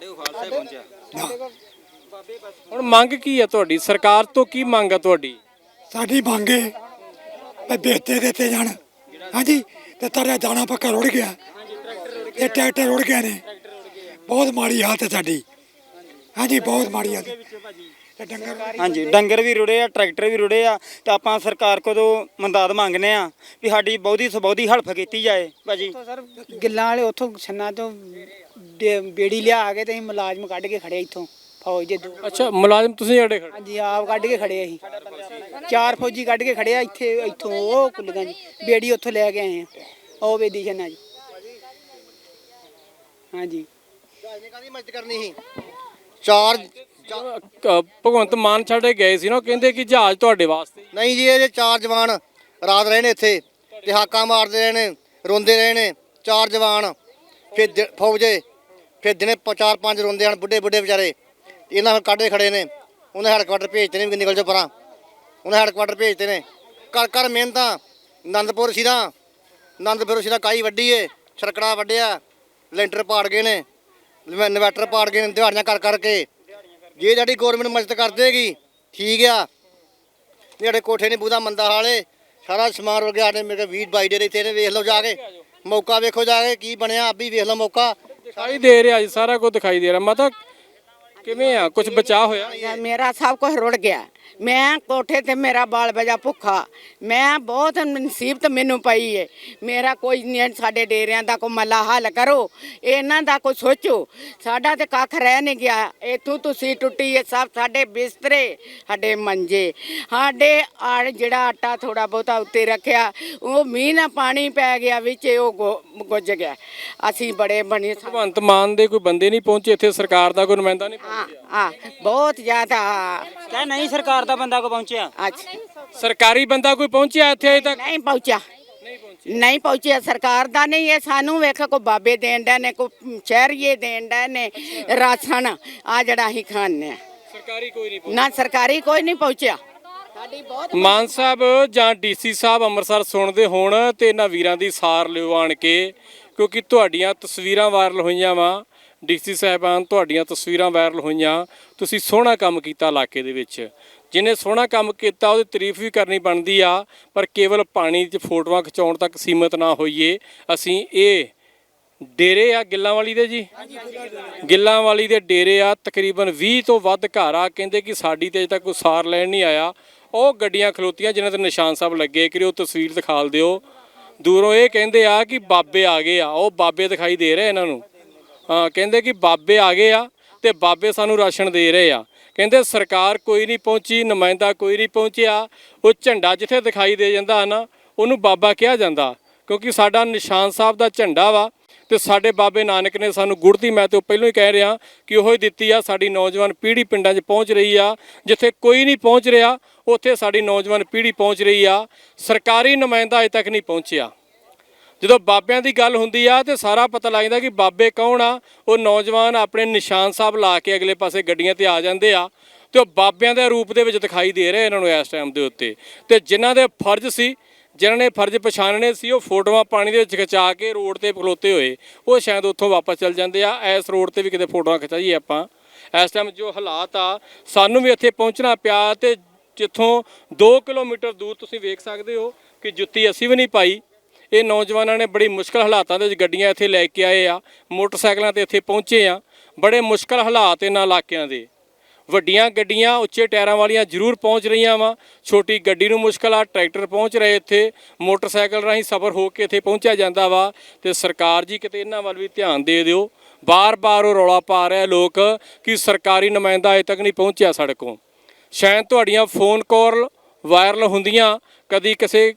ਹੁਣ ਮੰਗ ਕੀ ਹੈ ਤੁਹਾਡੀ? ਸਰਕਾਰ ਤੋਂ ਕੀ ਮੰਗ ਹੈ ਤੁਹਾਡੀ?
ਸਾਡੀ ਮੰਗ ਹੈ ਵੀ ਬੇਤੇ ਦਿੱਤੇ ਜਾਣ। ਹਾਂਜੀ, ਤੇ ਤਾਰਾ ਦਾਣਾ ਪੱਕਾ ਰੁੜ ਗਿਆ, ਤੇ ਟਰੈਕਟਰ ਰੁੜ ਗਏ ਨੇ। ਬਹੁਤ ਮਾੜੀ ਹਾਲਤ ਹੈ ਸਾਡੀ। ਹਾਂਜੀ, ਬਹੁਤ ਮਾੜੀ ਹਾਲਤ ਤੇ ਡੰਗਰ।
ਹਾਂਜੀ, ਡੰਗਰ ਵੀ ਰੁੜੇ ਆ, ਟਰੈਕਟਰ ਵੀ ਰੁੜੇ ਆ। ਤੇ ਆਪਾਂ ਸਰਕਾਰ ਕੋਲੋਂ ਮਦਦ ਮੰਗਨੇ ਆ ਵੀ ਸਾਡੀ ਬਹੁਤੀ ਤੋਂ ਬਹੁਤੀ ਹੈਲਪ ਕੀਤੀ ਜਾਏ ਭਾਜੀ।
ਸਰ ਗਿੱਲਾਂ ਵਾਲੇ ਉੱਥੋਂ ਛੰਨਾ ਤੋਂ ਬੇੜੀ ਲਿਆ ਕੇ ਤੇ ਅਸੀਂ ਮੁਲਾਜ਼ਮ ਕੱਢ ਕੇ ਖੜੇ ਇੱਥੋਂ ਫੌਜ ਦੇ।
ਅੱਛਾ, ਮੁਲਾਜ਼ਮ ਤੁਸੀਂ ਸਾਡੇ ਖੜੇ?
ਹਾਂਜੀ, ਆਪ ਕੱਢ ਕੇ ਖੜੇ ਅਸੀਂ। 4 ਫੌਜੀ ਕੱਢ ਕੇ ਖੜੇ ਆ ਇੱਥੋਂ ਉਹ ਕੁੱਲੀਆਂ ਜੀ, ਬੇੜੀ ਉੱਥੋਂ ਲੈ ਕੇ ਆਏ ਆ, ਉਹ ਵੇਦੀ ਛੰਨਾ ਜੀ। ਹਾਂਜੀ,
ਕਾਹਦੀ ਮਦਦ ਕਰਨੀ ਸੀ? 4
ਭਗਵੰਤ ਮਾਨ ਛੱਡੇ ਗਏ ਸੀ ਨਾ, ਉਹ ਕਹਿੰਦੇ ਕਿ ਜਹਾਜ਼ ਤੁਹਾਡੇ ਵਾਸਤੇ।
ਨਹੀਂ ਜੀ, ਇਹ 4 ਜਵਾਨ ਰਾਤ ਰਹੇ ਨੇ ਇੱਥੇ ਤੇ ਹਾਕਾਂ ਮਾਰਦੇ ਰਹੇ ਨੇ, ਰੋਂਦੇ ਰਹੇ ਨੇ। 4 ਜਵਾਨ ਫਿਰ ਫੌਜੇ, ਫਿਰ ਦਿਨੇ 4-5 ਰੋਂਦੇ ਹਨ, ਬੁੱਢੇ ਵਿਚਾਰੇ। ਇਹਨਾਂ ਨੂੰ ਕੱਢਦੇ ਖੜੇ ਨੇ। ਉਹਨੇ ਹੈਡਕੁਆਟਰ ਭੇਜਤੇ ਨੇ ਵੀ ਨਿਕਲ ਜਾਓ ਪਰਾਂ। ਉਹਨੇ ਹੈਡਕੁਆਟਰ ਭੇਜਤੇ ਨੇ। ਕਰ ਮਿਹਨਤਾਂ। ਆਨੰਦਪੁਰ ਸਿਰਾ ਕਾਈ ਵੱਢੀ ਏ, ਛਰਕੜਾ ਵੱਢਿਆ, ਲੈਂਟਰ ਪਾੜ ਗਏ ਨੇ, ਇਨਵੈਟਰ ਪਾੜ ਗਏ ਨੇ, ਦਿਹਾੜੀਆਂ ਕਰਕੇ। ਜੇ ਸਾਡੀ ਗੌਰਮੈਂਟ ਮਦਦ ਕਰ ਦੇਗੀ ਠੀਕ ਆ। ਜਿਹੜੇ ਕੋਠੇ ਨਹੀਂ ਬੂਦਾ ਮੰਦਾ ਹਾਲੇ ਸਾਰਾ ਸਮਾਨ ਰੁੜ ਗਿਆ। ਸਾਡੇ ਮੇਰੇ 20-22 ਡੇਰੇ ਇੱਥੇ ਨੇ, ਵੇਖ ਲਓ ਜਾ ਕੇ, ਮੌਕਾ ਵੇਖੋ ਜਾ ਕੇ ਕੀ ਬਣਿਆ। ਆਪ ਵੀ ਵੇਖ ਲਓ ਮੌਕਾ।
ਦਿਖਾਈ ਦੇ ਰਿਹਾ ਜੀ, ਸਾਰਾ ਕੁਝ ਦਿਖਾਈ ਦੇ ਰਿਹਾ। ਮਾਤਾ ਕਿਵੇਂ ਆ, ਕੁਝ ਬਚਾ ਹੋਇਆ?
ਮੇਰਾ ਸਭ ਕੁਝ ਰੁੜ ਗਿਆ। ਮੈਂ ਕੋਠੇ ਤੇ ਮੇਰਾ ਬਾਲ ਬਜਾ ਭੁੱਖਾ। ਮੈਂ ਬਹੁਤ ਮੁਸੀਬਤ ਮੈਨੂੰ ਪਈ ਏ। ਮੇਰਾ ਕੋਈ ਨਹੀਂ, ਸਾਡੇ ਡੇਰਿਆਂ ਦਾ ਕੋਈ ਮੱਲਾ ਹੱਲ ਕਰੋ, ਇਹਨਾਂ ਦਾ ਕੋਈ ਸੋਚੋ। ਸਾਡਾ ਤੇ ਕੱਖ ਰਹਿ ਨਹੀਂ ਗਿਆ। ਇੱਥੋਂ ਤੁਸੀਂ ਟੁੱਟੀ ਏ ਸਭ, ਸਾਡੇ ਬਿਸਤਰੇ, ਸਾਡੇ ਮੰਜੇ, ਸਾਡੇ ਜਿਹੜਾ ਆਟਾ ਥੋੜਾ ਬਹੁਤਾ ਉੱਤੇ ਰੱਖਿਆ, ਉਹ ਮੀਂਹ ਨਾਲ ਪਾਣੀ ਪੈ ਗਿਆ ਵਿੱਚ, ਉਹ ਗੁੱਜ ਗਿਆ। ਅਸੀਂ ਬੜੇ ਬਣੇ।
ਭਗਵੰਤ ਮਾਨ ਦੇ ਕੋਈ ਬੰਦੇ ਨਹੀਂ ਪਹੁੰਚੇ ਇੱਥੇ? ਸਰਕਾਰ ਦਾ ਕੋਈ ਨੁਮਾਇੰਦਾ ਨਹੀਂ ਪਹੁੰਚਿਆ?
ਬਹੁਤ ਜ਼ਿਆਦਾ
ਨਹੀਂ, ਸਰਕਾਰ ਦਾ ਬੰਦਾ ਕੋ ਪਹੁੰਚਿਆ?
ਸਰਕਾਰੀ ਬੰਦਾ ਕੋਈ ਪਹੁੰਚਿਆ ਇੱਥੇ ਅਜੇ ਤੱਕ?
ਨਹੀਂ ਪਹੁੰਚਿਆ। ਸਰਕਾਰ ਦਾ ਨਹੀਂ, ਇਹ ਸਾਨੂੰ ਵੇਖ ਕੋ ਬਾਬੇ ਦੇਣ ਦਾ ਨੇ, ਕੋ ਸ਼ਹਿਰੀਏ ਦੇਣ ਦਾ ਨੇ ਰਾਸ਼ਨ, ਆ ਜਿਹੜਾ ਅਸੀਂ ਖਾਂਦੇ ਆ।
ਸਰਕਾਰੀ ਕੋਈ ਨਹੀਂ
ਨਾ, ਸਰਕਾਰੀ ਕੋਈ ਨਹੀਂ ਪਹੁੰਚਿਆ।
ਮਾਨ ਸਾਹਿਬ ਜਾਂ ਡੀਸੀ ਸਾਹਿਬ ਅੰਮ੍ਰਿਤਸਰ ਸੁਣਦੇ ਹੋਣ ਤੇ ਇਹਨਾਂ ਵੀਰਾਂ ਦੀ ਸਾਰ ਲਿਓ ਆਣ ਕੇ, ਕਿਉਂਕਿ ਤੁਹਾਡੀਆਂ ਤਸਵੀਰਾਂ ਵਾਇਰਲ ਹੋਈਆਂ ਵਾ। ਡੀਸੀ ਸਾਹਿਬਾਨ, ਤੁਹਾਡੀਆਂ ਤਸਵੀਰਾਂ ਵਾਇਰਲ ਹੋਈਆਂ। ਤੁਸੀਂ ਸੋਹਣਾ ਕੰਮ ਕੀਤਾ ਇਲਾਕੇ ਦੇ ਵਿੱਚ। ਜਿਹਨੇ ਸੋਹਣਾ ਕੰਮ ਕੀਤਾ ਉਹਦੀ ਤਾਰੀਫ ਵੀ ਕਰਨੀ ਬਣਦੀ ਆ, ਪਰ ਕੇਵਲ ਪਾਣੀ 'ਚ ਫੋਟੋਆਂ ਖਿਚਾਉਣ ਤੱਕ ਸੀਮਤ ਨਾ ਹੋਈਏ। ਅਸੀਂ ਇਹ ਡੇਰੇ ਆ ਗਿੱਲਾਂ ਵਾਲੀ ਦੇ ਜੀ, ਗਿੱਲਾਂ ਵਾਲੀ ਦੇ ਡੇਰੇ ਆ, ਤਕਰੀਬਨ 20 ਤੋਂ ਵੱਧ ਘਰ ਆ। ਕਹਿੰਦੇ ਕਿ ਸਾਡੀ ਤੇ ਅਜੇ ਤੱਕ ਕੋਈ ਸਾਰ ਲੈਣ ਨਹੀਂ ਆਇਆ। ਉਹ ਗੱਡੀਆਂ ਖਲੋਤੀਆਂ ਜਿਨ੍ਹਾਂ ਤੇ ਨਿਸ਼ਾਨ ਸਾਹਿਬ ਲੱਗੇ, ਕਿ ਉਹ ਤਸਵੀਰ ਦਿਖਾ ਦਿਓ। ਦੂਰੋਂ ਇਹ ਕਹਿੰਦੇ ਆ ਕਿ ਬਾਬੇ ਆ ਗਏ ਆ, ਉਹ ਬਾਬੇ ਦਿਖਾਈ ਦੇ ਰਹੇ ਇਹਨਾਂ ਨੂੰ। ਹਾਂ, ਕਹਿੰਦੇ ਕਿ ਬਾਬੇ ਆ ਗਏ ਆ ਤੇ ਬਾਬੇ ਸਾਨੂੰ ਰਾਸ਼ਨ ਦੇ ਰਹੇ ਆ। ਕਹਿੰਦੇ ਸਰਕਾਰ ਕੋਈ ਨਹੀਂ ਪਹੁੰਚੀ, ਨੁਮਾਇੰਦਾ ਕੋਈ ਨਹੀਂ ਪਹੁੰਚਿਆ। ਉਹ ਝੰਡਾ ਜਿੱਥੇ ਦਿਖਾਈ ਦੇ ਜਾਂਦਾ ਨਾ, ਉਹਨੂੰ ਬਾਬਾ ਕਿਹਾ ਜਾਂਦਾ, ਕਿਉਂਕਿ ਸਾਡਾ ਨਿਸ਼ਾਨ ਸਾਹਿਬ ਦਾ ਝੰਡਾ ਵਾ ਤੇ ਸਾਡੇ ਬਾਬੇ ਨਾਨਕ ਨੇ ਸਾਨੂੰ ਗੁੜਤੀ, ਮੈਂ ਤੇ ਪਹਿਲਾਂ ਹੀ ਕਹਿ ਰਿਹਾ ਕਿ ਉਹ ਹੀ ਦਿੱਤੀ ਆ। ਸਾਡੀ ਨੌਜਵਾਨ ਪੀੜ੍ਹੀ ਪਿੰਡਾਂ 'ਚ ਪਹੁੰਚ ਰਹੀ ਆ, ਜਿੱਥੇ ਕੋਈ ਨਹੀਂ ਪਹੁੰਚ ਰਿਹਾ ਉੱਥੇ ਸਾਡੀ ਨੌਜਵਾਨ ਪੀੜ੍ਹੀ ਪਹੁੰਚ ਰਹੀ ਆ। ਸਰਕਾਰੀ ਨੁਮਾਇੰਦਾ ਅਜੇ ਤੱਕ ਨਹੀਂ ਪਹੁੰਚਿਆ। ਜਦੋਂ ਬਾਬਿਆਂ ਦੀ ਗੱਲ ਹੁੰਦੀ ਆ ਤੇ ਸਾਰਾ ਪਤਾ ਲੱਗ ਜਾਂਦਾ ਕਿ ਬਾਬੇ ਕੌਣ ਆ। ਉਹ ਨੌਜਵਾਨ ਆਪਣੇ ਨਿਸ਼ਾਨ ਸਾਹਿਬ ਲਾ ਕੇ ਅਗਲੇ ਪਾਸੇ ਗੱਡੀਆਂ ਤੇ ਆ ਜਾਂਦੇ ਆ ਤੇ ਉਹ ਬਾਬਿਆਂ ਦੇ ਰੂਪ ਦੇ ਵਿੱਚ ਦਿਖਾਈ ਦੇ ਰਹੇ ਇਹਨਾਂ ਨੂੰ ਇਸ ਟਾਈਮ ਦੇ ਉੱਤੇ। ਤੇ ਜਿਨ੍ਹਾਂ ਦੇ ਫਰਜ਼ ਸੀ, ਜਿਨ੍ਹਾਂ ਨੇ ਫਰਜ਼ ਪਛਾਣਨੇ ਸੀ, ਉਹ ਫੋਟੋਆਂ ਪਾਣੀ ਦੇ ਵਿੱਚ ਖਿਚਾ ਕੇ ਰੋਡ ਤੇ ਖਲੋਤੇ ਹੋਏ ਉਹ ਸ਼ਾਇਦ ਉੱਥੋਂ ਵਾਪਸ ਚੱਲ ਜਾਂਦੇ ਆ। ਇਸ ਰੋਡ ਤੇ ਵੀ ਕਿਤੇ ਫੋਟੋਆਂ ਖਿਚਾਈਏ ਆਪਾਂ। ਇਸ ਟਾਈਮ ਜੋ ਹਾਲਾਤ ਆ, ਸਾਨੂੰ ਵੀ ਇੱਥੇ ਪਹੁੰਚਣਾ ਪਿਆ ਤੇ ਜਿੱਥੋਂ 2 ਕਿਲੋਮੀਟਰ ਦੂਰ ਤੁਸੀਂ ਵੇਖ ਸਕਦੇ ਹੋ ਕਿ ਜੁੱਤੀ ਅਸੀਂ ਵੀ ਨਹੀਂ ਪਾਈ। ਇਹ ਨੌਜਵਾਨਾਂ ਨੇ ਬੜੀ ਮੁਸ਼ਕਲ ਹਾਲਾਤਾਂ ਦੇ ਵਿੱਚ ਗੱਡੀਆਂ ਇੱਥੇ ਲੈ ਕੇ ਆਏ ਆ, ਮੋਟਰਸਾਈਕਲਾਂ ਤੇ ਇੱਥੇ ਪਹੁੰਚੇ ਆ। ਬੜੇ ਮੁਸ਼ਕਲ ਹਾਲਾਤ ਇਹਨਾਂ ਇਲਾਕਿਆਂ ਦੇ। ਵੱਡੀਆਂ ਗੱਡੀਆਂ ਉੱਚੇ ਟਾਇਰਾਂ ਵਾਲੀਆਂ ਜ਼ਰੂਰ ਪਹੁੰਚ ਰਹੀਆਂ ਵਾ, ਛੋਟੀ ਗੱਡੀ ਨੂੰ ਮੁਸ਼ਕਲ ਆ। ਟਰੈਕਟਰ ਪਹੁੰਚ ਰਹੇ ਇੱਥੇ, ਮੋਟਰਸਾਈਕਲ ਰਾਹੀਂ ਸਫ਼ਰ ਹੋ ਕੇ ਇੱਥੇ ਪਹੁੰਚਿਆ ਜਾਂਦਾ ਵਾ। ਤੇ ਸਰਕਾਰ ਜੀ ਕਿਤੇ ਇਹਨਾਂ ਵੱਲ ਵੀ ਧਿਆਨ ਦੇ ਦਿਓ। ਬਾਰ-ਬਾਰ ਉਹ ਰੌਲਾ ਪਾ ਰਿਹਾ ਲੋਕ ਕਿ ਸਰਕਾਰੀ ਨੁਮਾਇੰਦਾ ਅਜੇ ਤੱਕ ਨਹੀਂ ਪਹੁੰਚਿਆ ਸਾਡੇ ਕੋਲ। ਸ਼ਾਇਦ ਤੁਹਾਡੀਆਂ ਫੋਨ ਕਾਲ ਵਾਇਰਲ ਹੁੰਦੀਆਂ, ਕਦੀ ਕਿਸੇ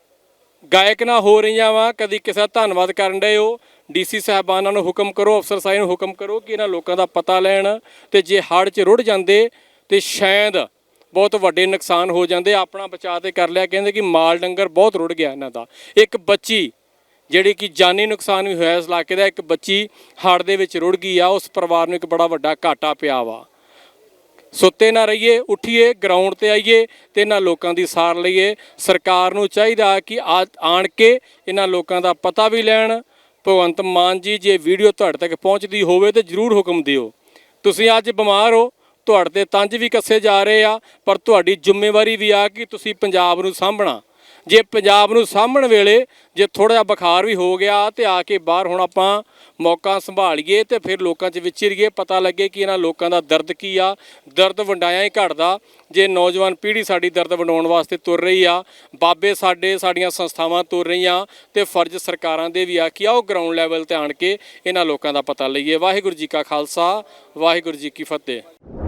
ਗਾਇਕ ਨਾਲ ਹੋ ਰਹੀਆਂ ਵਾ, ਕਦੀ ਕਿਸੇ ਦਾ ਧੰਨਵਾਦ ਕਰਨ ਡਏ ਹੋ। ਡੀਸੀ ਸਾਹਿਬਾਨਾਂ ਨੂੰ ਹੁਕਮ ਕਰੋ, ਅਫਸਰ ਸਾਹਿਬ ਨੂੰ ਹੁਕਮ ਕਰੋ ਕਿ ਇਹਨਾਂ ਲੋਕਾਂ ਦਾ ਪਤਾ ਲੈਣ। ਤੇ ਜੇ ਹੜ੍ਹ 'ਚ ਰੁੜ ਜਾਂਦੇ ਤੇ ਸ਼ਾਇਦ ਬਹੁਤ ਵੱਡੇ ਨੁਕਸਾਨ ਹੋ ਜਾਂਦੇ। ਆਪਣਾ ਬਚਾਅ ਤੇ ਕਰ ਲਿਆ। ਕਹਿੰਦੇ ਕਿ ਮਾਲ ਡੰਗਰ ਬਹੁਤ ਰੁੜ ਗਿਆ ਇਹਨਾਂ ਦਾ। ਇੱਕ ਬੱਚੀ ਜਿਹੜੀ ਕਿ ਜਾਨੀ ਨੁਕਸਾਨ ਵੀ ਹੋਇਆ ਇਸ ਇਲਾਕੇ ਦਾ, ਇੱਕ ਬੱਚੀ ਹੜ੍ਹ ਦੇ ਵਿੱਚ ਰੁੜ ਗਈ ਆ। ਉਸ ਪਰਿਵਾਰ ਨੂੰ ਇੱਕ ਬੜਾ ਵੱਡਾ ਘਾਟਾ ਪਿਆ ਵਾ। ਸੁੱਤੇ ਨਾ ਰਹੀਏ, ਉੱਠੀਏ, ਗਰਾਊਂਡ ਤੇ ਆਈਏ ਤੇ ਇਹਨਾਂ ਲੋਕਾਂ ਦੀ ਸਾਰ ਲਈਏ। ਸਰਕਾਰ ਨੂੰ ਚਾਹੀਦਾ ਕਿ ਆਣ ਕੇ ਇਹਨਾਂ ਲੋਕਾਂ ਦਾ ਪਤਾ ਵੀ ਲੈਣ। ਭਗਵੰਤ ਮਾਨ ਜੀ, ਜੇ ਵੀਡੀਓ ਤੁਹਾਡੇ ਤੱਕ ਪਹੁੰਚਦੀ ਹੋਵੇ ਤਾਂ ਜ਼ਰੂਰ ਹੁਕਮ ਦਿਓ। ਤੁਸੀਂ ਅੱਜ ਬਿਮਾਰ ਹੋ, ਤੁਹਾਡੇ ਤੇ ਤੰਜ ਵੀ ਕੱਸੇ ਜਾ ਰਹੇ ਆ, ਪਰ ਤੁਹਾਡੀ ਜ਼ਿੰਮੇਵਾਰੀ ਵੀ ਆ ਕਿ ਤੁਸੀਂ ਪੰਜਾਬ ਨੂੰ ਸਾਂਭਣਾ। ਜੇ ਪੰਜਾਬ ਨੂੰ ਸਾਂਭਣ ਵੇਲੇ ਜੇ ਥੋੜ੍ਹਾ ਜਿਹਾ ਬੁਖਾਰ ਵੀ ਹੋ ਗਿਆ ਤੇ ਆ ਕੇ ਬਾਹਰ ਹੁਣ ਆਪਾਂ ਮੌਕਾ ਸੰਭਾਲੀਏ ਤੇ ਫਿਰ ਲੋਕਾਂ 'ਚ ਵਿਚਰੀਏ, ਪਤਾ ਲੱਗੇ ਕਿ ਇਹਨਾਂ ਲੋਕਾਂ ਦਾ ਦਰਦ ਕੀ ਆ। ਦਰਦ ਵੰਡਾਇਆ ਹੀ ਘਟਦਾ ਜੇ ਨੌਜਵਾਨ ਪੀੜ੍ਹੀ ਸਾਡੀ ਦਰਦ ਵੰਡਾਉਣ ਵਾਸਤੇ ਤੁਰ ਰਹੀ ਆ। ਬਾਬੇ ਸਾਡੀਆਂ ਸੰਸਥਾਵਾਂ ਤੁਰ ਰਹੀਆਂ ਤੇ ਫਰਜ਼ ਸਰਕਾਰਾਂ ਦੇ ਵੀ ਆ ਕਿ ਆਓ ਗਰਾਊਂਡ ਲੈਵਲ ਤੇ ਆਣ ਕੇ ਇਹਨਾਂ ਲੋਕਾਂ ਦਾ ਪਤਾ ਲਈਏ। ਵਾਹਿਗੁਰੂ ਜੀ ਕਾ ਖਾਲਸਾ, ਵਾਹਿਗੁਰੂ ਜੀ ਕੀ ਫਤਿਹ।